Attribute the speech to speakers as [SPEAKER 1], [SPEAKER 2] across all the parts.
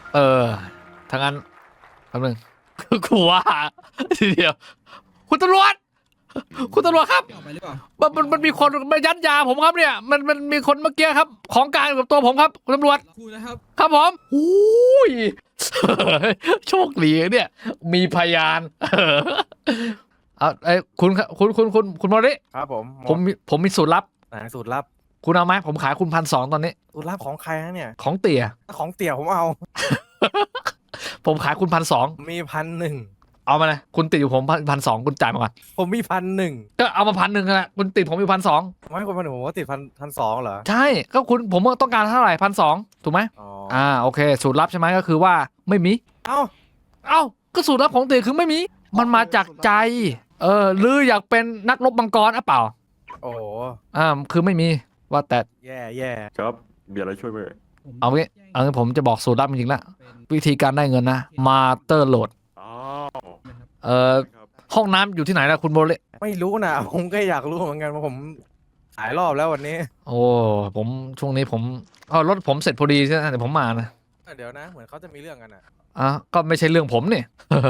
[SPEAKER 1] เออทางนั้นแป๊บนึงกูว่าทีเดียวคุณตำรวจคุณตำรวจครับ
[SPEAKER 2] ออกไปหรือเปล่า
[SPEAKER 1] มันมีคนมายัดยาผมครับเนี่ยมันมีคนเมื่อกี้ครับของกลางอยู่กับตัวผมครับคุณตำรวจ
[SPEAKER 2] ครูนะครับ
[SPEAKER 1] ครับผมอุ้ยโชคดีเนี่ยมีพยานเอาไอ้คุณครับคุณมอริ
[SPEAKER 3] ครับผม
[SPEAKER 1] ผมมีสูตรลับ
[SPEAKER 3] ไหนสูตรลับ
[SPEAKER 1] คุณเอาไหมผมขายคุณ1,200ตอนนี้
[SPEAKER 3] สูตรลับของใครฮะเนี่ย
[SPEAKER 1] ของเตี่ย
[SPEAKER 3] ของเตี่ยผมเอา
[SPEAKER 1] ผมขายคุณ1,200
[SPEAKER 3] มี1,001
[SPEAKER 1] เอามาเลยคุณติดอยู่ผม1,200คุณจ่ายมาก่อน
[SPEAKER 3] ผมมี1,001
[SPEAKER 1] ก็เอามา1,100นะคุณติดผมอยู่1,200
[SPEAKER 3] ไม่คนพันผมว่าติด1,200เหรอ
[SPEAKER 1] ใช่ก็ผมต้องการเท่าไหร่1,200ถูกไหม
[SPEAKER 3] อ๋อ
[SPEAKER 1] โอเคสูตรลับใช่ไหมก็คือว่าไม่มี
[SPEAKER 3] เอ้า
[SPEAKER 1] เอ้าก็สูตรลับของเตี๋ยคือไม่มีมันมาจากใจหรืออยากเป็นนักรบมังกรอ่ะเปล่า
[SPEAKER 3] โอ้โห
[SPEAKER 1] คือไม่มีว่าแต่
[SPEAKER 3] แย่
[SPEAKER 4] ครับมีอะไรช่วยไหม
[SPEAKER 1] เอางี้ผมจะบอกสูตรลับจริงๆละวิธีการได้เงินนะมาเตอร์โหลด
[SPEAKER 4] อ้าว ครับ
[SPEAKER 1] ห้องน้ำอยู่ที่ไหนล่ะคุณโบเล่
[SPEAKER 3] ไม่รู้นะ ผมก็อยากรู้เหมือนกันว่าผมหลายรอบแล้ววันนี้
[SPEAKER 1] โอ้ผมช่วงนี้ผมรถผมเสร็จพอดีใช่ไหมเดี๋ยวผมมานะ
[SPEAKER 3] เดี๋ยวนะ เหมือนเขาจะมีเรื่องกันอ่ะ
[SPEAKER 1] ก็ไม่ใช่เรื่องผมนี่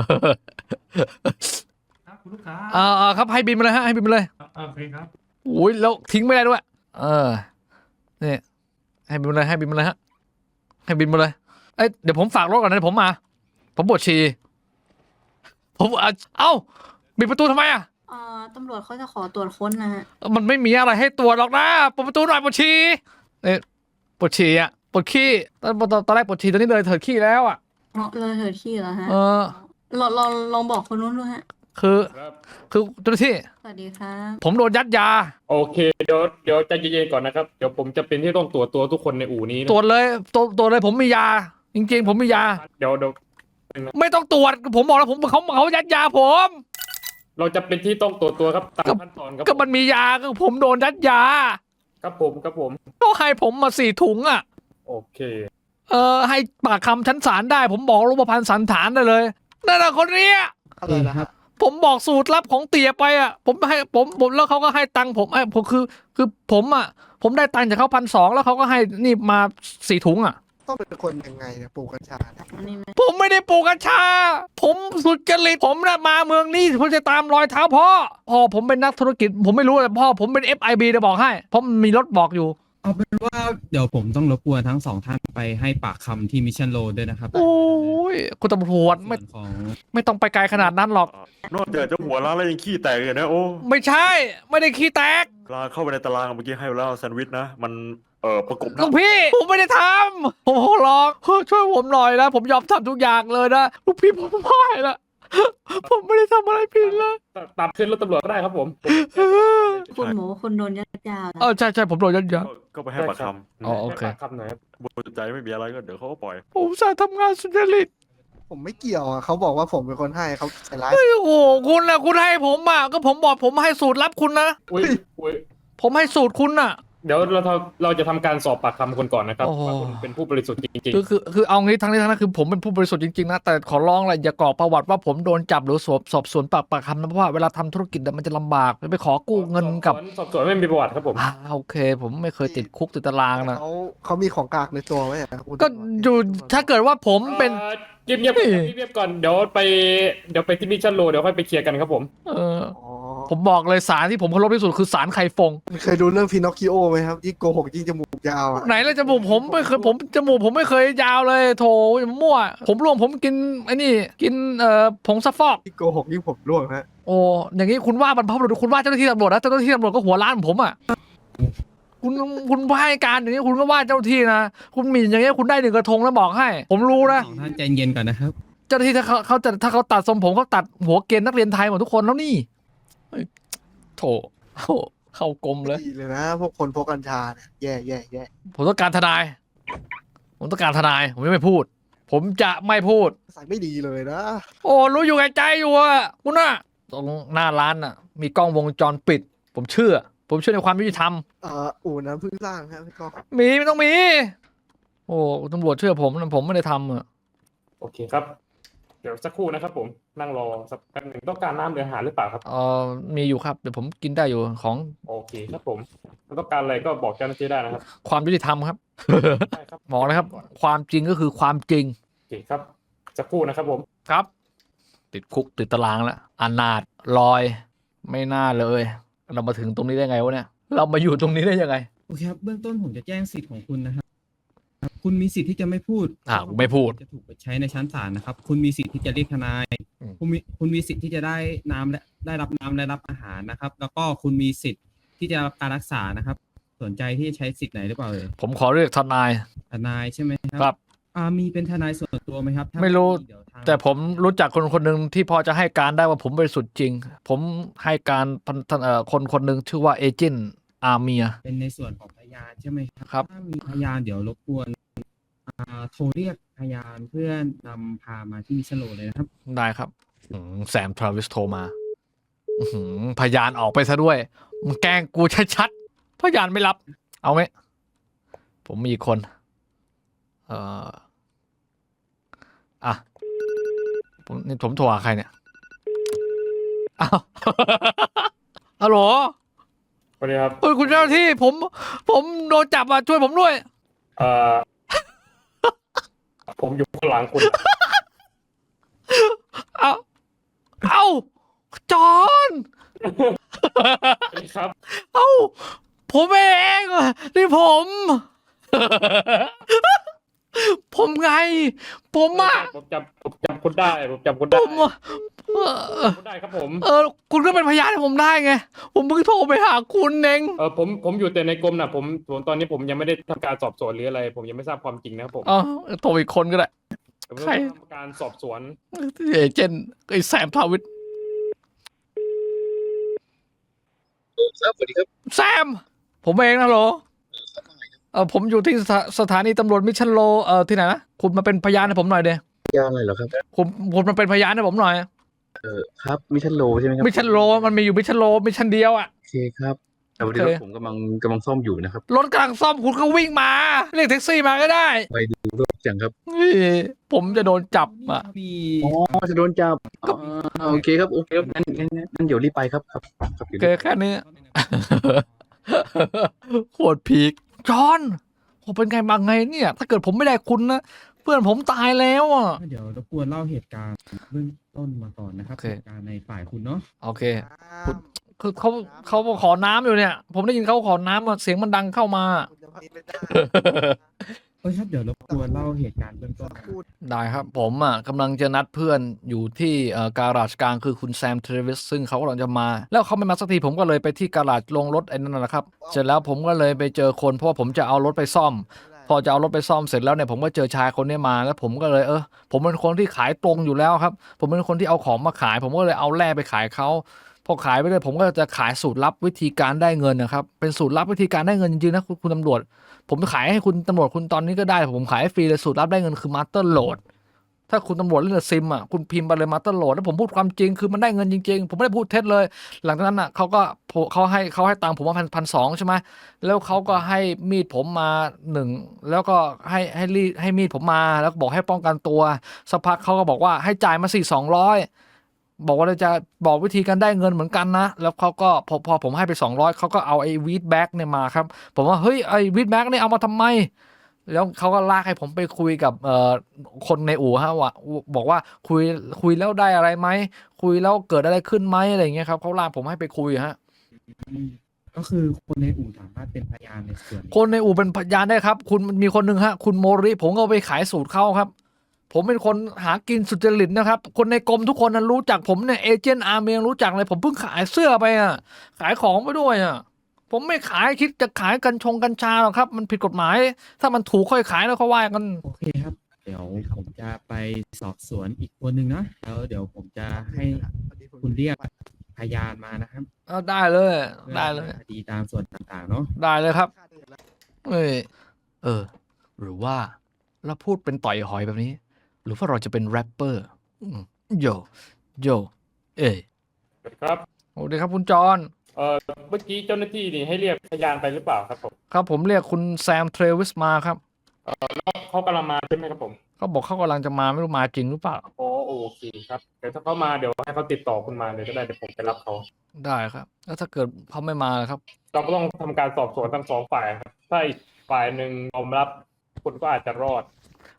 [SPEAKER 2] ครับคุณลูกค้า
[SPEAKER 1] ครับให้บินมาเลยฮะให้บินมาเลย
[SPEAKER 2] โอเคครับ
[SPEAKER 1] อุ้ยแล้วทิ้งไม่ได้ด้วยนี่ให้บินมาเลยให้บินมาเลยฮะให้บินมาเลยเดี๋ยวผมฝากรถก่อนนะเดี๋ยวผมมาผมปวดฉี่ผมปิดประตูทำไมอ่ะ
[SPEAKER 5] ตำรวจเขาจะขอตรวจค้นนะฮะ
[SPEAKER 1] มันไม่มีอะไรให้ตรวจหรอกนะเปิดประตูหน่อยปวดฉี่ปวดฉี่อ่ะปวดขี้ตอนแรกปวดฉี่ตอนนี้เลยเถิดขี้แล้วอ่ะ
[SPEAKER 5] เลยเถิดที่เหรอฮะ
[SPEAKER 1] เออ
[SPEAKER 5] ลองบอกคนนู้นดูฮะ
[SPEAKER 1] คือ
[SPEAKER 6] ครับ
[SPEAKER 1] คือเจ้าหน้าที่
[SPEAKER 5] สวัสดีครับ
[SPEAKER 1] ผมโดนยัดยา
[SPEAKER 6] โอเคเดี๋ยวใจเย็นๆก่อนนะครับเดี๋ยวผมจะเป็นที่ต้องตรวจตัวทุกคนในอู่นี้นะ
[SPEAKER 1] ตรวจเลยตรวจเลยผมมียา จริงๆ ผมมียา
[SPEAKER 6] เดี๋ยว
[SPEAKER 1] ไม่ต้องตรวจผมบอกแล้วเขายัดยาผม
[SPEAKER 6] เราจะเป็นที่ต้องตรวจตัวครับตามขั้นตอนครับ
[SPEAKER 1] ก็มันมียาก็ผมโดนยัดยา
[SPEAKER 6] ครับผม
[SPEAKER 1] ก็ให้ผมมา4 ถุงอ่ะ
[SPEAKER 6] โอเค
[SPEAKER 1] ให้ปากคำชั้นศาลได้ผมบอกรูปพรรณสันฐานได้เลยนั่นแหละคนเนี้ย
[SPEAKER 2] อะไรนะครับ
[SPEAKER 1] ผมบอกสูตรลับของเตี๋ยไปอ่ะผมให้ผมแล้วเขาก็ให้ตังค์ผมผมคือผมอ่ะผมได้ตังค์จากเขา1,200แล้วเขาก็ให้นี่มา4 ถุงอ่ะ
[SPEAKER 7] ต้องเป็นคนยังไงเนี่ยปลูกกัญชาเนี่ย
[SPEAKER 5] อันนี้ไหม
[SPEAKER 1] ผมไม่ได้ปลูกกัญชา ผมสุจริตผมน่ะมาเมืองนี้ผมจะตามรอยเท้าพ่อผมเป็นนักธุรกิจ ผมไม่รู้แต่พ่อผมเป็น FIB จะบอกให้เพราะมันมีรถบอกอยู่
[SPEAKER 2] เอาเป็นว่าเดี๋ยวผมต้องรบกวนทั้งสองท่านไปให้ปากคำที่มิชชั่นโรดด้วยนะครับ
[SPEAKER 1] โอ้ยคุณตำรวจ
[SPEAKER 2] ส่
[SPEAKER 1] ไม่
[SPEAKER 2] วนของ
[SPEAKER 1] ไม่ต้องไปไกลขนาดนั้นหรอก
[SPEAKER 4] นอกจากจะหัวล้างแล้วยังขี้แตกเลยนะโอ้
[SPEAKER 1] ไม่ใช่ ไม่ได้ขี้แตก
[SPEAKER 4] ลาเข้าไปในตารางเมื่อกี้ให้แล้วแซนด์วิชนะ มันประกบห
[SPEAKER 1] ลู
[SPEAKER 4] น้าก
[SPEAKER 1] พี่ผมไม่ได้ทำผมขอร้องช่วยผมหน่อยนะผมยอมทำทุกอย่างเลยนะลูกพี่ผมไม่ละผมไม่ได้ทำอะไรผิดเลย
[SPEAKER 6] ตามขึ้นรถตำรวจก็ได้ครับผม
[SPEAKER 5] คุณหมูคุณโดนยัดยาแล้ว
[SPEAKER 1] ใช่ผมโดนยัดยา
[SPEAKER 4] ก็ไปให้ปากค
[SPEAKER 1] อ๋อโอเค
[SPEAKER 6] ให้ปากคำหน่อยครับ
[SPEAKER 4] ำบริสุทธิ์ใจไม่มีอะไรก็เดี๋ยวเขาก็ปล่อย
[SPEAKER 1] ผมอุตสาห์ทำงานสุจริต
[SPEAKER 7] ผมไม่เกี่ยวอ่ะเขาบอกว่าผมเป็นคนให้เขาใส่ร้าย
[SPEAKER 1] โอ้โหคุณให้ผมอ่ะก็ผมบอกผมให้สูตรลับคุณนะ
[SPEAKER 6] อุ้ย
[SPEAKER 1] ผมให้สูตรคุณอ่ะ
[SPEAKER 6] เดี๋ยวเราจะทำการสอบปากคำคนก่อนนะครับ
[SPEAKER 1] โอ้โห
[SPEAKER 6] ว่าคุณเป็นผู้บริสุทธิ์จริง
[SPEAKER 1] คือเอางี้ทั้งนี้ทั้งนั้นคือผมเป็นผู้บริสุทธิ์จริงๆนะแต่ขอร้องเลยอย่ากรอกประวัติว่าผมโดนจับหรือสอบสวนปากคำนะเพราะว่าเวลาทำธุรกิจมันจะลำบากไปขอ
[SPEAKER 6] ๆ
[SPEAKER 1] กู้เงินกับ
[SPEAKER 6] สอบสวนไม่มีประวัติครับผม
[SPEAKER 1] โอเค ผมไม่เคยติดคุกติดตารางนะ
[SPEAKER 7] เขามีของกลางในตัวไหมอ่ะคุณ
[SPEAKER 1] ก็อยู่ถ้าเกิดว่าผมเป็น
[SPEAKER 6] เงียบๆก่อนเงียบๆก่อนเดี๋ยวไปที่มิชชั่นโรเดี๋ยวค่อยไปเคลียร์กันครับผม
[SPEAKER 7] อ๋อ
[SPEAKER 1] ผมบอกเลยสารที่ผมเคารพที่สุดคือสารไข่ฟง
[SPEAKER 7] เคยดูเรื่องพินอคคิโอไหมครับยิ่งโกหกยิ่งจมูกยาวอ่ะ
[SPEAKER 1] ไหนเลยจมูกผมไม่เคยจมูกผมไม่เคยยาวเลยโถมั่วผมร่วงผมกินไอ้นี่กินผงซักฟอก
[SPEAKER 7] ยิ่งโกหกยิ่งผมร่วงฮะ
[SPEAKER 1] โอ้อย่างนี้คุณว่าบรรพบุรุษคุณว่าเจ้าหน้าที่ตำรวจนะเจ้าหน้าที่ตำรวจก็หัวล้านผมอ่ะคุณให้การอย่างนี้คุณก็ว่าเจ้าหน้าที่นะคุณหมิ่นอย่างนี้คุณได้1 กระทงแล้วบอกให้ ผมรู้นะ
[SPEAKER 2] สองท่านใจเย็นก่อนนะครับ
[SPEAKER 1] เจ้าหน้าที่ถ้าเขาตัดทรงผมเขาตัดหัวเกณฑ์นักเรียนไทยหมดทุกคนแล้วนี่เฮ้ยโถเข้ากลมเลย
[SPEAKER 7] ดีเลยนะพวกคนพกกัญชาเนี่ยแย่
[SPEAKER 1] ผมต้องการทนาย ผมยังไม่พูด ผมจะไม่พูด
[SPEAKER 7] ใส่ไม่ดีเลยนะ
[SPEAKER 1] โอ้รู้อยู่แก่ใจอยู่อะคุณน่ะตรงหน้าร้านน่ะ มีกล้องวงจรปิด ผมเชื่อในความยุติธรรม
[SPEAKER 7] อู่น้ำพึ่งสร้างครับพี่ก้อง
[SPEAKER 1] ไม่ต้องมี โอ้ตำรวจเชื่อผมนะผมไม่ได้ทำอะ
[SPEAKER 6] โอเคครับ เดี๋ยวสักครู่นะครับผมนั่งรอสักแป๊บหนึ่งต้องการน้ำหรืออาหารหรือเปล่าครับ
[SPEAKER 1] มีอยู่ครับเดี๋ยวผมกินได้อยู่ของ
[SPEAKER 6] โอเคครับผมต้องการอะไรก็บอกเจ้าหน้าที่ได้นะครับ
[SPEAKER 1] ความยุติธรรมครับ
[SPEAKER 6] ใช่ครับ
[SPEAKER 1] บอกนะครับ ความจริงก็คือความจริง
[SPEAKER 6] เคครับสักครู่นะครับผม
[SPEAKER 1] ครับ ติดคุกติดตารางแล้วอนาถลอย ไม่น่าเลย เรามาถึงตรงนี้ได้ไงวะเนี่ย เรามาอยู่ตรงนี้ได้ยังไง
[SPEAKER 2] โอเคครับเบื้องต้นผมจะแจ้งสิทธิ์ของคุณนะครับคุณมีสิทธิ์ที่จะไม่พูด
[SPEAKER 1] ไม่พูด
[SPEAKER 2] จะถูกไปใช้ในชั้นศาลนะครับ คุณมีสิทธิ์ที่จะเรียกทนาย
[SPEAKER 1] อืม
[SPEAKER 2] คุณมีสิทธิ์ที่จะได้น้ำและได้รับน้ำและรับอาหารนะครับ แล้วก็คุณมีสิทธิ์ที่จะรับการรักษานะครับ สนใจที่จะใช้สิทธิ์ไหนหรือเปล่าเลย
[SPEAKER 1] ผมขอเรียกทนาย
[SPEAKER 2] ทนายใช่ไหมค
[SPEAKER 1] ครั
[SPEAKER 2] รับ มีเป็นทนายส่วนตัวไหมครับถ้า
[SPEAKER 1] ไม่รู้
[SPEAKER 2] เดี๋ยวทาง
[SPEAKER 1] แต่ผมรู้จักคนคนหนึ่งที่พอจะให้การได้ว่าผมบริสุทธิ์จริง ผมให้การคนคนหนึ่งชื่อว่าเอเจนต์อาเมีย
[SPEAKER 2] เป็นในส่วนของพยานใช่ไหมครับ
[SPEAKER 1] ครับ
[SPEAKER 2] ถ้ามีพยานเดี๋ยวรบกวนโทรเรียกพยานเพื่อนำพามาที่มิชโลเลยนะครับ
[SPEAKER 1] ได้ครับแซมทราวิสโทรมาพยานออกไปซะด้วยมึงแกล้งกูชัดๆพยานไม่รับ เอาไหมผมมีอีกคน อ่ะผมโทรหาใครเนี่ยอ้าว ฮัลโหล
[SPEAKER 6] สวัสดีครับ
[SPEAKER 1] เอ้ยคุณเจ้าหน้าที่ผมโดนจับอ่ะช่วยผมด้วย
[SPEAKER 6] เอ่อ ผมอยู่ข้างหลังคุณ
[SPEAKER 1] เอาจอน
[SPEAKER 6] ครับ
[SPEAKER 1] เอาผมเองอ่ะนี่ผม ผมไง ผมอ่ะ
[SPEAKER 6] ผมจำคุณได้ ผมจำคุณ
[SPEAKER 1] ผ
[SPEAKER 6] ได้
[SPEAKER 1] มอ่ะ
[SPEAKER 6] คุณได้ครับผม
[SPEAKER 1] คุณก็เป็นพยานให้ผมได้ไง ผมเพิ่งโทรไปหาคุณเอง
[SPEAKER 6] ผมอยู่แต่ในกรมนะผมตอนนี้ผมยังไม่ได้ทำการสอบสวนหรืออะไร ผมยังไม่ทราบความจริงนะครับผม
[SPEAKER 1] อ๋อโทรอีกคนก็ได้
[SPEAKER 6] ผม
[SPEAKER 1] ใคร
[SPEAKER 6] ต้องทำการสอบสวน
[SPEAKER 1] เอเจนต์ไอ้แซมทาวิท
[SPEAKER 7] สวัสดีครับ
[SPEAKER 1] แซม ผมเองนะโหลผมอยู่ที่สถานีตำรวจมิชชันโลที่ไหนนะคุณมาเป็นพยานให้ผมหน่อยเดีย
[SPEAKER 7] ยานอะไรเหรอครับ
[SPEAKER 1] คุณมาเป็นพยานให้ผมหน่อย
[SPEAKER 7] ครับมิชันโลใช่ไหมครับ
[SPEAKER 1] มิชชันโลมันมีอยู่มิชชันโลมิชชันเดียวอ่ะ
[SPEAKER 7] โอเคครับแต่วันนี้
[SPEAKER 1] โอ
[SPEAKER 7] ร
[SPEAKER 1] เค
[SPEAKER 7] ถผมกำลังซ่อมอยู่นะครับ
[SPEAKER 1] รถกำลังซ่อมคุณก็วิ่งมาเรียกแท็กซี่มาก็ได้
[SPEAKER 7] ไปดูรถจังครับ
[SPEAKER 1] เฮ้ยผมจะโดนจับอ่ะ
[SPEAKER 2] มี
[SPEAKER 7] อ๋อจะโดนจับโอเคครับโอเคครับงั้นเดี๋ยวรีบไปครับครับ
[SPEAKER 1] โอเคแค่นี้ โคตรพีคจอห์นผมเป็นไงบางไงเนี่ย ถ้าเกิดผมไม่ได้คุณนะ เพื่อนผมตายแล้วอ่ะ
[SPEAKER 2] เดี๋ยวรบกวนเล่าเหตุการณ์เบื้องต้นมาก่อนนะครับ
[SPEAKER 1] โอเค
[SPEAKER 2] เหตุการณ์ในฝ่ายคุณเนาะ
[SPEAKER 1] โอเค คือเขาขอน้ำอยู่เนี่ย ผมได้ยินเขาขอน้ำอะเสียงมันดังเข้ามา
[SPEAKER 2] ครับเดี๋ยวรบกวนเล่าเหตุการณ์เบื้องต้นนะครับ
[SPEAKER 1] ได้ครับ ผมอ่ะกำลังจะนัดเพื่อนอยู่ที่การาจกลางคือคุณแซมเทรวิสซึ่งเขากำลังจะมา แล้วเขาไม่มาสักทีผมก็เลยไปที่การาจลงรถไอ้นั่นนะครับ เสร็จแล้วผมก็เลยไปเจอคนเพราะว่าผมจะเอารถไปซ่อม พอจะเอารถไปซ่อมเสร็จแล้วเนี่ยผมก็เจอชายคนนี้มาแล้วผมก็เลยผมเป็นคนที่ขายตรงอยู่แล้วครับ ผมเป็นคนที่เอาของมาขาย ผมก็เลยเอาแร่ไปขายเขาพอขายไปเลยผมก็จะขายสูตรลับวิธีการได้เงินนะครับเป็นสูตรลับวิธีการได้เงินจริงๆนะคุณตำรวจ ผมขายให้คุณตำรวจคุณตอนนี้ก็ได้ผมขายให้ฟรีเลยสูตรลับได้เงินคือมาสเตอร์โหลดถ้าคุณตำรวจเล่นซิมอ่ะคุณพิมพ์ไปเลยมาสเตอร์โหลดแล้วผมพูดความจริงคือมันได้เงินจริงๆผมไม่ได้พูดเท็จเลย หลังจากนั้นอ่ะเขาให้ตังค์ผมมา1,200ใช่ไหมแล้วเขาก็ให้มีดผมมา1แล้วก็ให้มีดผมมาแล้วก็บอกให้ป้องกันตัวสักพักเขาก็บอกว่าให้จ่ายมา200บอกว่าเราจะบอกวิธีการได้เงินเหมือนกันนะแล้วเขาก็พอผมให้ไป200เขาก็เอาไอ้วีดแบ็กเนี่ยมาครับผมว่าเฮ้ยไอ้วีดแบ็กเนี่ยเอามาทำไมแล้วเขาก็ลากให้ผมไปคุยกับคนในอู่ฮะว่าบอกว่าคุยแล้วได้อะไรไหมคุยแล้วเกิดอะไรขึ้นไหมอะไรอย่างเงี้ยครับเขาลากผมให้ไปคุยฮะ
[SPEAKER 2] ก็คือคนในอู่สามารถเป็นพยานในส่วนนี้
[SPEAKER 1] คนในอู่เป็นพยานได้ครับคุณมีคนหนึ่งฮะคุณโมริผมก็เอาไปขายสูตรเข้าครับผมเป็นคนหากินสุจริตนะครับคนในกรมทุกคนนั้นรู้จักผมเนี่ยเอเจนต์อาร์เมียงรู้จักเลยผมเพิ่งขายเสื้อไปอ่ะขายของไปด้วยอ่ะผมไม่ขายคิดจะขายกัญชาหรอกครับมันผิดกฎหมาย ถ้ามันถูกค่อยขายแล้วเขาว่ากัน
[SPEAKER 2] โอเคครับ เดี๋ยวผมจะไปสอบสวนอีกคนหนึ่งนะแล้วเดี๋ยวผมจะให้คุณเรียกพยานมานะครับ
[SPEAKER 1] ได้เลย
[SPEAKER 2] พื่อ
[SPEAKER 1] ได้เลย
[SPEAKER 2] คดีตามส่วนต่างๆเนาะ
[SPEAKER 1] ได้เลยครับหรือว่าเราพูดเป็นต่อยหอยแบบนี้ หรือว่าเราจะเป็นแรปเปอร์โย
[SPEAKER 6] สวัสดีครับ
[SPEAKER 1] สวัสดีครับคุณจอห์น
[SPEAKER 6] เมื่อกี้เจ้าหน้าที่นี่ให้เรียกพยานไปหรือเปล่าครับผม
[SPEAKER 1] ครับผมเรียกคุณแซมเทรวิสมาครับ
[SPEAKER 6] เขากำลังมาใช่ไหมครับผม
[SPEAKER 1] เขาบอกเขากำลังจะมาไม่รู้มาจริงหรือเปล่า
[SPEAKER 6] โอเคครับเดี๋ยวถ้าเขามาเดี๋ยวให้เขาติดต่อคุณมาเลยก็ได้เดี๋ยวผมไปรับเขา
[SPEAKER 1] ได้ครับ แล้วถ้าเกิดเขาไม่มาล่ะครับ
[SPEAKER 6] เราก็ต้องทำการสอบสวนทั้งสองฝ่ายครับถ้าอีกฝ่ายหนึ่งยอมรับคุณก็อาจจะรอด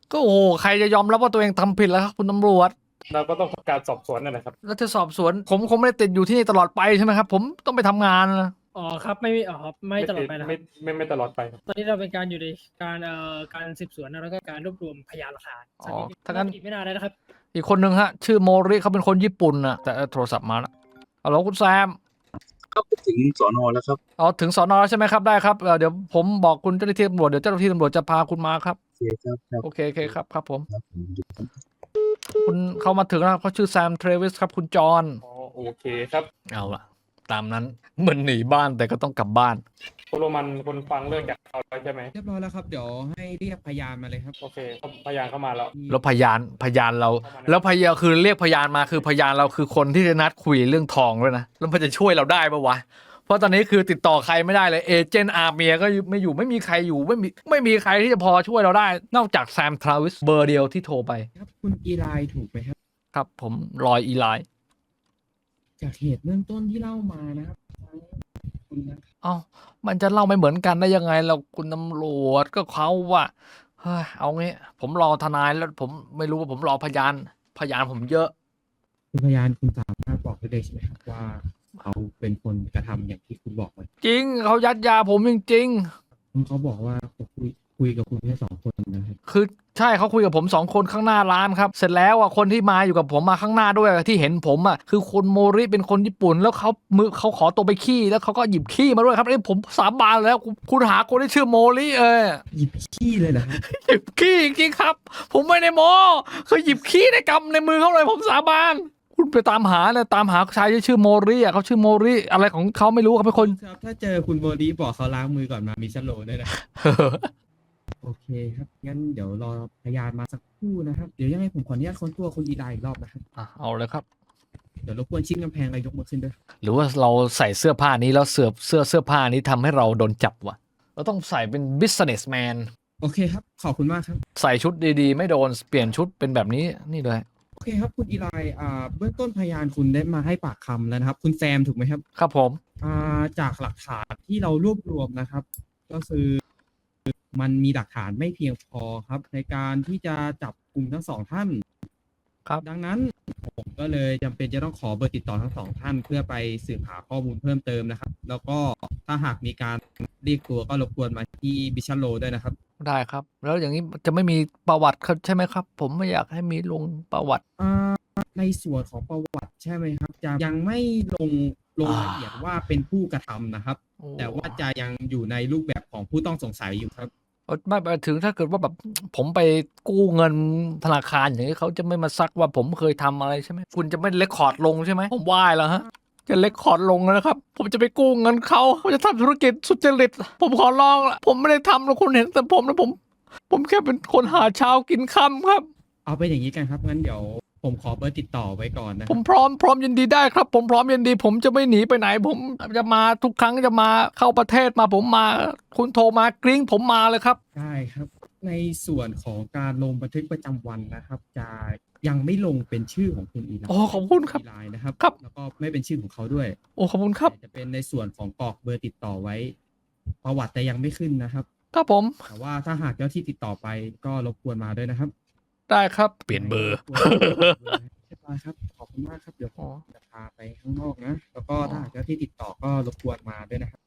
[SPEAKER 1] ก็โอ้โหใครจะยอมรับว่าตัวเองทำผิดแล้วครับคุณตำรวจ
[SPEAKER 6] เราก็ต้องทำการสอบสวนนั่นแหละครับ
[SPEAKER 1] แล้วจะสอบสวนผมคงไม่ได้ติดอยู่ที่นี่ตลอดไปใช่ไหมครับ ผมต้องไปทำงานนะ
[SPEAKER 8] อ๋อครับไม่มีอ๋อครับไม่ตลอดไปนะค
[SPEAKER 6] ไม่
[SPEAKER 8] รับ
[SPEAKER 6] ไม่ตลอดไปครับ
[SPEAKER 8] ตอนนี้เราเป็นการอยู่ในการสืบสวนนะแล้วก็การรวบรวมพยานหลักฐาน
[SPEAKER 1] อ๋อถ้างั้น
[SPEAKER 8] อีกไม่นานแล้วนะครับ
[SPEAKER 1] อีกคนนึงฮะ ชื่อโมริเขาเป็นคนญี่ปุ่นนะแต่โทรศัพท์มาแล้วฮัลโหลคุณแซม
[SPEAKER 7] ครับถึงสอนอแล้วครับ
[SPEAKER 1] อ๋อถึงสอนอใช่ไหมครับได้ครับเดี๋ยวผมบอกคุณเจ้าหน้าที่ตำรวจเดี๋ยวเจ้าหน้าที่ตำรวจจะพาคุณมาครับ
[SPEAKER 7] โอเคครับครับ
[SPEAKER 1] โอเคโอเคครับครับผม
[SPEAKER 7] ครับผม
[SPEAKER 1] คุณเขามาถึงแล้วครับเขาชื่อแซมเทรวิสครับคุณจอห์น
[SPEAKER 6] อ๋อโอเคครับ
[SPEAKER 1] เอาละตามนั้นเหมือนหนีบ้านแต่ก็ต้องกลับบ้าน
[SPEAKER 6] คุณโรมันคนฟังเรื่องจากเราแล้วใช่ไหม
[SPEAKER 2] เรียบร้อยแล้วครับ เดี๋ยวให้เรียกพยานมาเลยครับ
[SPEAKER 6] โอเคพยานเข้ามาแล้ว
[SPEAKER 1] แล้วพยานเรา แล้วพยานคือเรียกพยานมาคือพยานเราคือคนที่จะนัดคุยเรื่องทองด้วยนะแล้วมันจะช่วยเราได้ปะวะเพราะตอนนี้คือติดต่อใครไม่ได้เลยเอเจนต์อาร์เมียก็ไม่อยู่ไม่มีใครอยู่ไม่มีใครที่จะพอช่วยเราได้ นอกจากแซมทราวิสเบอร์เดียวที่โทรไป
[SPEAKER 2] ครับคุณอีไลน์ถูกไหมครับ
[SPEAKER 1] ครับผมรอยอีไลน์
[SPEAKER 2] จากเหตุเบื้องต้นที่เล่ามานะครับคุณนะครับ
[SPEAKER 1] เอ้ามันจะเล่าไม่เหมือนกันได้ยังไงเราคุณตำรวจก็เขาว่าเฮ้ยเอางี้ผมรอทนายแล้วผมไม่รู้ว่าผมรอพยานผมเยอะ
[SPEAKER 2] คุณพยานคุณสามารถบอกได้เลยใช่ไหมครับว่าเขาเป็นคนกระทำอย่างที่คุณบอกไว้
[SPEAKER 1] จริงเขายัดยาผมจริง
[SPEAKER 2] เขาบอกว่าเขาคุยกับคุณแค่2 คนนะครับ
[SPEAKER 1] ๆคือใช่เขาคุยกับผม2 คนข้างหน้าร้านครับเสร็จแล้วอ่ะคนที่มาอยู่กับผมมาข้างหน้าด้วยที่เห็นผมอ่ะคือคนโมริเป็นคนญี่ปุ่นแล้วเขาขอตัวไปขี้แล้วเขาก็หยิบขี้มาด้วยครับผมสาบานแล้วคุณหาคนที่ชื่อโมริ
[SPEAKER 2] หยิบขี้เลยนะครับ
[SPEAKER 1] หยิบขี้จริงๆครับ ผมไม่ได้โม้เขาหยิบขี้ในกำในมือเขาเลยผมสาบานคุณไปตามหาเลยตามหาชายที่ชื่อโมริอ่ะเขาชื่อโมริอะไรของเขาไม่รู้เขาเป็นคน
[SPEAKER 2] ครับถ้าเจอคุณโบดีบอกเขาล้างมือก่อนมามีสโลว์ด้วยนะ โอเคครับ งั้นเดี๋ยวรอพยานมาสักครู่นะครับ เดี๋ยวยังไงผมขออนุญาตค้นตัวคุณอีไลน์อีกรอบนะครับ
[SPEAKER 1] อ่ะเอาเลยครับ
[SPEAKER 2] เดี๋ยวรบกวนชิ้นกำแพงอะไรยกมือขึ้นด้วย
[SPEAKER 1] หรือว่าเราใส่เสื้อผ้านี้แล้วเสื้อผ้านี้ทำให้เราโดนจับวะเราต้องใส่เป็น businessman
[SPEAKER 2] โอเคครับ ขอบคุณมากครับ
[SPEAKER 1] ใส่ชุดดีๆ ไม่โดนเปลี่ยนชุดเป็นแบบนี้นี่เลย
[SPEAKER 2] โอเคครับคุณอีไลน์เบื้องต้นพยานคุณได้มาให้ปากคำแล้วนะครับ คุณแซมถูกไหมครับ
[SPEAKER 1] ครับผม
[SPEAKER 2] จากหลักฐานที่เรารวบรวมนะครับ ก็คือมันมีหลักฐานไม่เพียงพอครับ ในการที่จะจับกลุ่มทั้ง2 ท่าน
[SPEAKER 1] ครับ
[SPEAKER 2] ดังนั้นผมก็เลยจำเป็นจะต้องขอเบอร์ติดต่อทั้ง2 ท่าน เพื่อไปสืบหาข้อมูลเพิ่มเติมนะครับ แล้วก็ถ้าหากมีการเรียกตัวก็รบกวนมาที่บิชันโลด้วยนะครับ
[SPEAKER 1] ได้ครับ แล้วอย่างนี้จะไม่มีประวัติใช่ไหมครับ ผมไม่อยากให้มีลงประวัติ
[SPEAKER 2] ในส่วนของประวัติใช่ไหมครับ จะยังไม่ลงรายละเอียดว่าเป็นผู้กระทำนะครับ
[SPEAKER 1] โอ้
[SPEAKER 2] แต่ว่าจะยังอยู่ในรูปแบบของผู้ต้องสงสัยอยู่ครับ
[SPEAKER 1] ไม่ไปถึงถ้าเกิดว่าแบบผมไปกู้เงินธนาคารอย่างนี้เขาจะไม่มาซักว่าผมเคยทำอะไรใช่ไหมคุณจะไม่เรคคอร์ดลงใช่ไหมผมว่าแล้วฮะจะเรคคอร์ดลงแล้วนะครับ ผมจะไปกู้เงินเขาผมจะทำธุรกิจสุจริตผมขอร้องละผมไม่ได้ทำแล้วคุณเห็นแต่ผมนะผมแค่เป็นคนหาเช้ากินค่ำครับ
[SPEAKER 2] เอาเป็นอย่างนี้กันครับงั้นเดี๋ยวผมขอเบอร์ติดต่อไว้ก่อนนะค
[SPEAKER 1] ผ
[SPEAKER 2] รับ
[SPEAKER 1] มพร้อมยินดีได้ครับ ผมพร้อมยินดี ผมจะไม่หนีไปไหน ผมจะมาทุกครั้งจะมาเข้าประเทศมาผมมา คุณโทรมากริ้งผมมาเลยครับ
[SPEAKER 2] ได้ครับ ในส่วนของการลงบันทึกประจำวันนะครับ จะยังไม่ลงเป็นชื่อของคุณอีไลน์
[SPEAKER 1] โอ้ขอบคุณครับ
[SPEAKER 2] อีไลน์นะครับ
[SPEAKER 1] ครับ
[SPEAKER 2] แล้วก็ไม่เป็นชื่อของเขาด้วย
[SPEAKER 1] โอ้ขอบคุณครับ
[SPEAKER 2] แต่จะเป็นในส่วนของกรอกเบอร์ติดต่อไว้ ประวัติแต่ยังไม่ขึ้นนะครับ
[SPEAKER 1] ครับผม
[SPEAKER 2] แต่ว่าถ้าหากเจ้าที่ติดต่อไปก็รบกวนมาด้วยนะครับ
[SPEAKER 1] ได้ครับเปลี่ยนเบอร์
[SPEAKER 2] เรียบร้อยครับขอบคุณมากครับเดี๋ยวผ
[SPEAKER 1] อ๋อ
[SPEAKER 2] มจะพาไปข้างนอกนะแล้วก็ถ้าหากเจ้าที่ติดต่อก็รบกวนมาด้วยนะครับ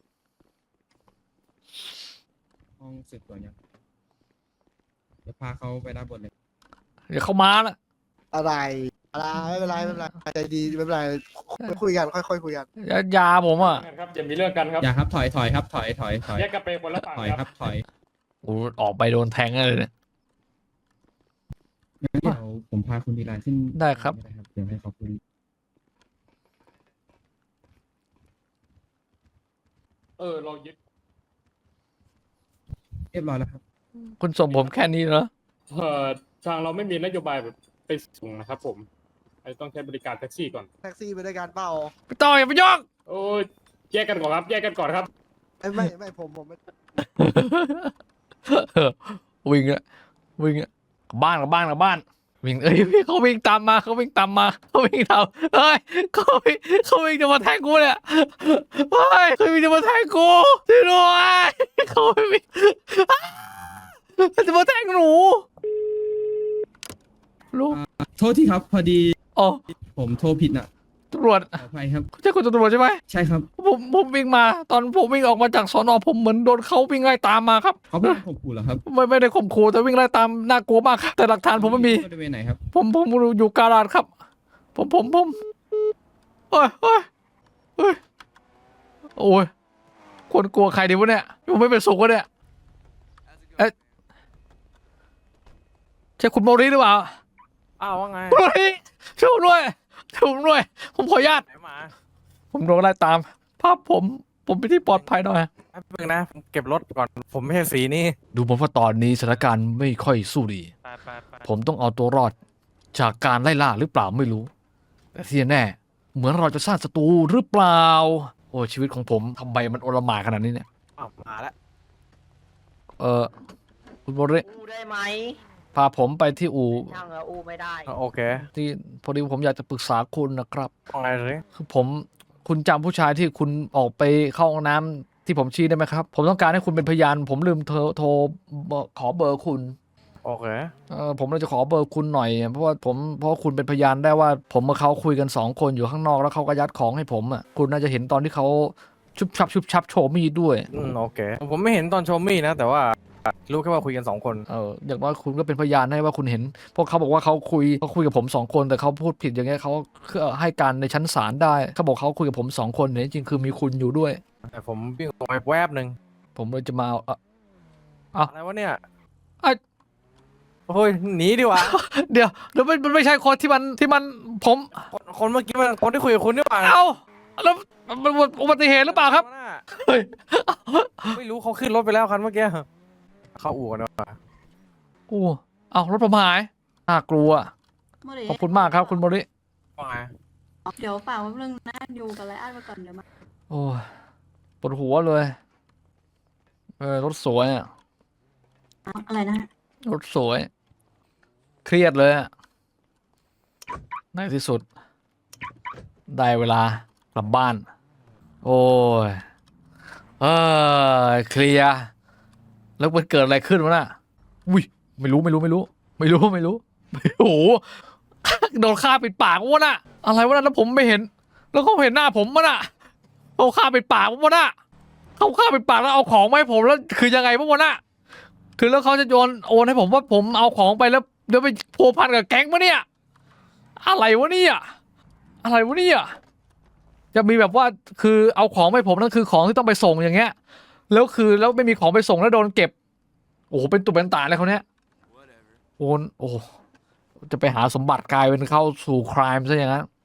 [SPEAKER 2] ห้องสืบสวนยังเดี๋ยวพาเขาไปด้านบนเลย
[SPEAKER 1] เดี๋ยวเขามาละ
[SPEAKER 3] อะไรไม่เป็นไรใจดีไม่เป็นไรคุยกันค่อยๆคุยกัน
[SPEAKER 1] ยาผมอ่ะ
[SPEAKER 6] ครับอย่ามีเรื่องกันครับ
[SPEAKER 2] อย่าครับถอยครับถอย
[SPEAKER 6] แยกกันไปคนละฝั่ง
[SPEAKER 2] ถอย
[SPEAKER 6] ค
[SPEAKER 2] ค
[SPEAKER 6] รั
[SPEAKER 2] รับ บถอย
[SPEAKER 1] โอ้ออกไปโดนแทงเลยเนี่ย
[SPEAKER 2] งั้นเดี๋ยวผมพาคุณดีไลน์ขึ้น
[SPEAKER 1] ได้ครับ
[SPEAKER 2] เดี๋ยวให้เขาคุย
[SPEAKER 6] เรายึด
[SPEAKER 2] เรียบร้อยแล้วครับ
[SPEAKER 1] คุณส่งผมแค่นี้เหรอ
[SPEAKER 6] ทางเราไม่มีนโยบายแบบไปส่งนะครับผมต้องใช้บริการแท็กซี่ก่อน
[SPEAKER 3] แท็กซี่ไปด้วยกันเปล่า
[SPEAKER 1] พี่ต่ออย่าไปยก
[SPEAKER 6] โอ้ยแยกกันก่อนครับ แยกกันก่อนครับ
[SPEAKER 3] ไม่ผมไม่
[SPEAKER 1] วิ่งอะกลับบ้านวิ่งพี่เขาวิ่งตามมาเขาวิ่งตามเฮ้ยเขาวิ่งจะมาแทงกูเนี่ยเฮ้ยเขาวิ่งจะมาแทงกูช่วยด้วยเขาวิ่งจะมาแทงหนูลุง
[SPEAKER 2] โทษทีครับ พอดี
[SPEAKER 1] อ๋อ
[SPEAKER 2] ผมโทรผิดน่ะ
[SPEAKER 1] ตำรวจ
[SPEAKER 2] ขออภัยครับ
[SPEAKER 1] ใช่คุณตำรวจใช่ไหม
[SPEAKER 2] ใช่ครับ
[SPEAKER 1] ผมวิ่งมา ตอนผมวิ่งออกมาจากสอนอผมเหมือนโดนเขาวิ่งไล่ตามมาครับ
[SPEAKER 2] เขาไม่ได้ข่มขู่เหรอครับ
[SPEAKER 1] ไม่ได้ข่มขู่แต่วิ่งไล่ตามน่ากลัวมากครับแต่หลักฐานผมไม่มี
[SPEAKER 2] บริเวณไหนครับ
[SPEAKER 1] ผมอยู่การาดครับ ผมเอ้ยโอ้ยคนกลัวใครดีวะเนี่ยผมไม่เป็นสุขวะเนี่ยเอ๊ะใช่คุณโมริหรือเปล่า
[SPEAKER 9] อ้าวว่าไง
[SPEAKER 1] โมริช่วยผมด้วยผมขออนุญาต
[SPEAKER 9] ไหนมา
[SPEAKER 1] ผมโดนไล่ตามภาพผมไปที่ปลอดภัยหน่อย
[SPEAKER 9] แป๊บนึงนะผมเก็บรถก่อน ผมไม่ใช่สีนี่
[SPEAKER 1] ดูเหมือนว่าตอนนี้สถานการณ์ไม่ค่อยสู้ดี
[SPEAKER 9] ไป
[SPEAKER 1] ผมต้องเอาตัวรอดจากการไล่ล่าหรือเปล่าไม่รู้ แต่ที่แน่เหมือนเราจะสร้างศัตรูหรือเปล่า โอ้ชีวิตของผมทำไมมันโอลหม่านขนาดนี้เนี่ย
[SPEAKER 9] อ้าวมาแล้ว
[SPEAKER 1] คุณโมริ
[SPEAKER 10] อู้ได้ไหม
[SPEAKER 1] พาผมไปที่อู่
[SPEAKER 10] ช่างอู้ไม่ได้
[SPEAKER 9] โอเค
[SPEAKER 1] ที่พอดีผมอยากจะปรึกษาคุณนะครับ
[SPEAKER 9] ว่าไงเลย
[SPEAKER 1] คือคุณจำผู้ชายที่คุณออกไปเข้าห้องน้ำที่ผมชี้ได้ไหมครับ ผมต้องการให้คุณเป็นพยาน ผมลืมโทรขอเบอร์คุณ
[SPEAKER 9] โอเค
[SPEAKER 1] ผมเลยจะขอเบอร์คุณหน่อยเพราะว่าคุณเป็นพยานได้ว่าผมกับเขาคุยกัน2 คนอยู่ข้างนอกแล้วเขาก็ยัดของให้ผมอ่ะคุณน่าจะเห็นตอนที่เขาชุบชับโชว์มีดด้วย
[SPEAKER 9] โอเค ผมไม่เห็นตอนโชว์มี่นะ แต่ว่ารู้แค่ว่าคุยกัน2 คน
[SPEAKER 1] อย่างน้อยคุณก็เป็นพยานให้ว่าคุณเห็นเพราะเขาบอกว่าเขาคุยกับผม2 คนแต่เขาพูดผิดอย่างเงี้ยเขาให้การในชั้นศาลได้เขาบอกเขาคุยกับผม2 คนแต่จริงๆคือมีคุณอยู่ด้วย
[SPEAKER 9] แต่ผมวิ่งออกไปแวบหนึ่ง
[SPEAKER 1] ผมเลยจะมาเอา
[SPEAKER 9] อะไรวะเนี่ย
[SPEAKER 1] เอ้ย
[SPEAKER 9] โอ้ยหนีดีกว่า
[SPEAKER 1] เดี๋ยวมันไม่ใช่คนที่มันผม
[SPEAKER 9] คนเมื่อกี้มันคนที่คุยกับคุณนี่หว่า
[SPEAKER 1] เอาแล้วมันอุบัติเหตุหรือเปล่าครับเฮ้ย
[SPEAKER 9] ไม่รู้เขาขึ้นรถไปแล้วคันเมื่อกี้เข้าอู่กันดีกว่า
[SPEAKER 1] โอ้เอารถผมหายน่ากลัว
[SPEAKER 5] โมริ
[SPEAKER 1] ขอบคุณมากครับคุณโมริ
[SPEAKER 9] ว่าไง
[SPEAKER 5] เดี๋ยวฝากไว้เรื่องหน้าอยู่กับไรอันไปก่อนเดี๋ยวมา
[SPEAKER 1] โอ้ยปวดหัวเลยรถสวยอ่ะ
[SPEAKER 5] อะไรนะ
[SPEAKER 1] รถสวย เครียดเลยอ่ะในที่สุด ได้เวลากลับบ้าน โอ้ยเคลียร์แล้วมันเกิดอะไรขึ้นวะน่ะอุ้ยไม่รู้โอ้โหโดนฆ่าปิดปากวะน่ะอะไรวะน่ะแล้วผมไม่เห็น แล้วเขาเห็นหน้าผมวะน่ะเขาฆ่าปิดปากวะน่ะเขาฆ่าปิดปากแล้วเอาของมาให้ผมแล้วคือยังไงวะน่ะคือแล้วเขาจะโอนให้ผมว่าผมเอาของไปแล้วเดี๋ยวไปพัวพันกับแก๊งมะเนี่ยอะไรวะเนี่ยจะมีแบบว่าคือเอาของไปผมนั่นคือของที่ต้องไปส่งอย่างเงี้ยแล้วไม่มีของไปส่งแล้วโดนเก็บโอ้โหเป็นตุเป็นตาเลยเขาเนี้ยโอ้จะไปหาสมบัติกลายเป็นเข้าสู่ครามซะอย่างนั้น